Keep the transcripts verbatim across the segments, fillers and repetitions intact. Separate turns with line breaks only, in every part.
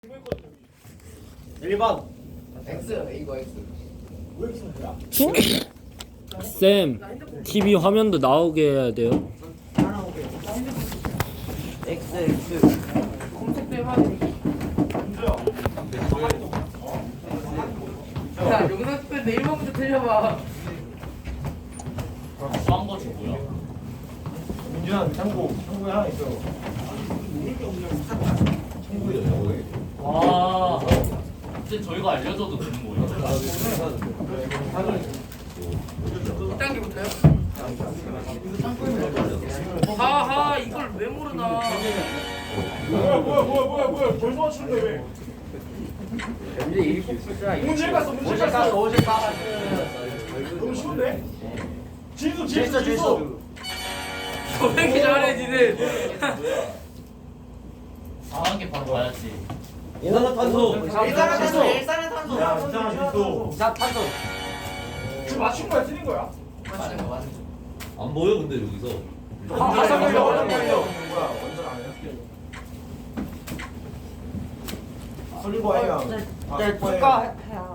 일 번
X 이거 X.
왜 이렇게 뭐야?
쌤, 티비 화면도 나오게 해야 돼요.
X X
검색도 해봐야지. 야 영상 찍을 때 일 번부터 틀려봐.
한 거지 뭐야?
민준아 창고 창고에 하나 있어.
와, 이제 저희가 알려줘도 되는 거예요?
일 단계부터요? 하하 이걸 왜 모르나?
뭐야 뭐야 뭐야 뭐야 뭐야 벌써 맞추는데 왜?
이제 일곱 숫자.
문제 갔어 문제 갔어 어제 갔어. 너무 쉬운데? 질수 질수 질수.
왜 이렇게 잘해 니는?
강한 게 바로 가야지.
일산화탄소.
일산화탄소. 일산화탄소.
야 일산화탄소.
이산탄소.
지금 맞춘 거야 틀린 거야?
맞는 거 맞는 거.
안 보여 근데 여기서
원전 걸려 원전 걸려. 뭐야 원전 아니야? 설리고 해야. 네 축하.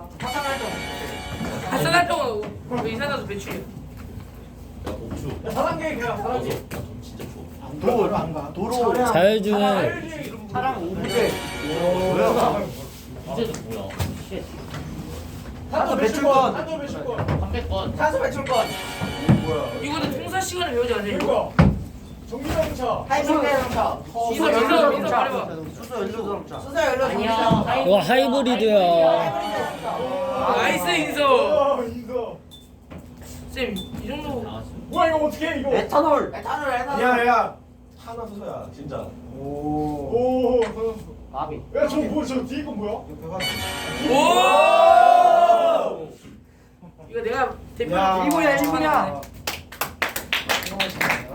화산활동 그 이산화탄소 배출이야.
야 복수
사단계 그냥 사단계.
나돈 진짜 좋아
도로 안 가. 도로.
자율주행.
차량 오분제. 뭐야?
이제도 뭐야?
탄소 배출권. 탄소 배출권.
삼백 건.
탄소 배출권.
뭐야?
이거는 통사 시간에 배우지 않아요?
그러니까 전기자동차.
하이브리드 자동차. 이서 이서 이서 말해봐.
수소 연료 자동차.
수소 연료 자동차.
이거 하이브리드야.
나이스 인서.
어 이거.
쌤, 이 정도.
뭐야 이거 어떻게 해 이거?
에탄올. 에탄올, 에탄올.
야야. 하나 수소야 진짜. 오. 오.
마비.
야저 뭐 저 뒤에 건 뭐야?
오! 이거 내가 대표
야.
일본이야, 일본이야.
아.